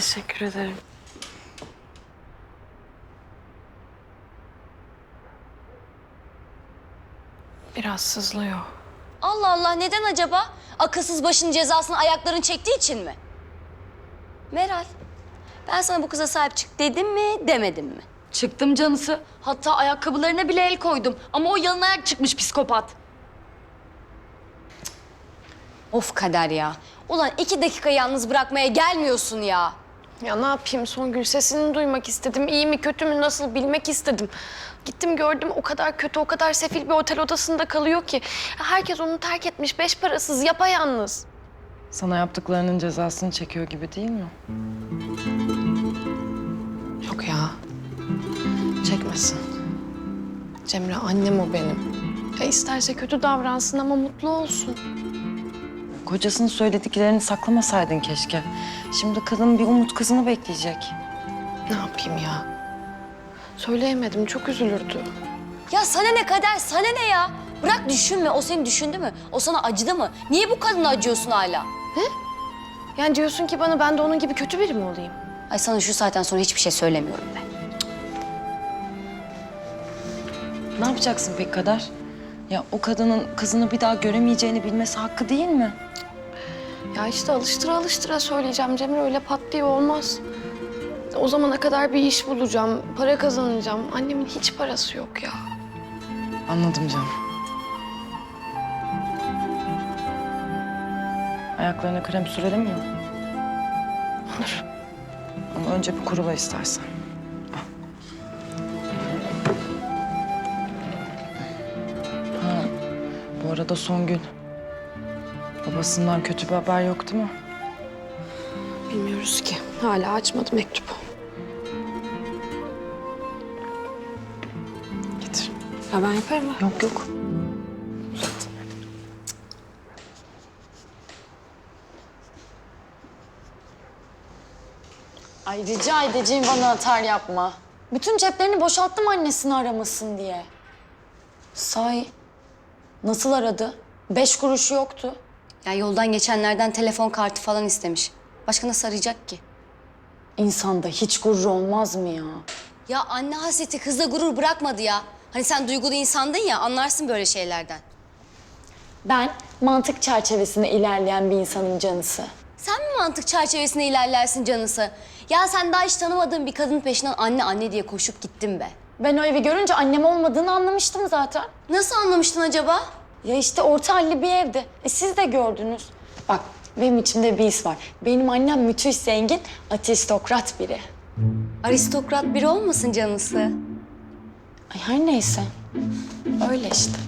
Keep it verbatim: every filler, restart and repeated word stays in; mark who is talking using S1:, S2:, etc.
S1: Teşekkür ederim. Biraz sızlıyor.
S2: Allah Allah, neden acaba? Akılsız başının cezasını ayakların çektiği için mi? Meral, ben sana bu kıza sahip çık dedim mi, demedim mi?
S3: Çıktım canısı. Hatta ayakkabılarına bile el koydum. Ama o yalın ayak çıkmış psikopat.
S2: Of Kader ya. Ulan iki dakika yalnız bırakmaya gelmiyorsun ya.
S1: Ya ne yapayım Songül, sesini duymak istedim. İyi mi kötü mü nasıl bilmek istedim. Gittim gördüm, o kadar kötü, o kadar sefil bir otel odasında kalıyor ki. Herkes onu terk etmiş, beş parasız, yapayalnız.
S4: Sana yaptıklarının cezasını çekiyor gibi değil mi?
S1: Yok ya, çekmesin. Cemre annem o benim. Ya isterse kötü davransın ama mutlu olsun.
S4: Kocasının söylediklerini saklamasaydın keşke. Şimdi kadın bir umut kızını bekleyecek.
S1: Ne yapayım ya? Söyleyemedim, çok üzülürdü.
S2: Ya sana ne Kader, sana ne ya? Bırak düşünme, o seni düşündü mü? O sana acıdı mı? Niye bu kadına acıyorsun hala?
S1: Yani diyorsun ki bana ben de onun gibi kötü biri mi olayım?
S2: Ay sana şu saatten sonra hiçbir şey söylemiyorum ben.
S4: Ne yapacaksın pek Kader? Ya o kadının kızını bir daha göremeyeceğini bilmesi hakkı değil mi?
S1: Ya işte alıştıra alıştıra söyleyeceğim Cemre, öyle pat diye olmaz. O zamana kadar bir iş bulacağım, para kazanacağım. Annemin hiç parası yok ya.
S4: Anladım canım. Ayaklarına krem sürelim mi?
S1: Olur.
S4: Ama önce bir kurula istersen. Al. Ha, bu arada Songül. Babasından kötü bir haber yok değil mi?
S1: Bilmiyoruz ki. Hala açmadı mektubu. Getir. Ya ben yaparım ha.
S4: Yok yok.
S3: Ay rica edeceğim bana atar yapma. Bütün ceplerini boşalttım annesini aramasın diye. Sahi nasıl aradı? Beş kuruşu yoktu.
S2: Ya yoldan geçenlerden telefon kartı falan istemiş. Başka nasıl arayacak ki?
S3: İnsanda hiç gurur olmaz mı ya?
S2: Ya anne hasreti kızda gurur bırakmadı ya. Hani sen duygulu insandın ya, anlarsın böyle şeylerden.
S3: Ben mantık çerçevesinde ilerleyen bir insanın canısı.
S2: Sen mi mantık çerçevesinde ilerlersin canısı? Ya sen daha hiç tanımadığın bir kadının peşinden anne anne diye koşup gittin be.
S3: Ben o evi görünce annem olmadığını anlamıştım zaten.
S2: Nasıl anlamıştın acaba?
S3: Ya işte orta halli bir evdi. E siz de gördünüz. Bak benim içimde bir his var. Benim annem müthiş zengin, aristokrat biri.
S2: Aristokrat biri olmasın canısı?
S3: Ay her neyse. Öyle işte.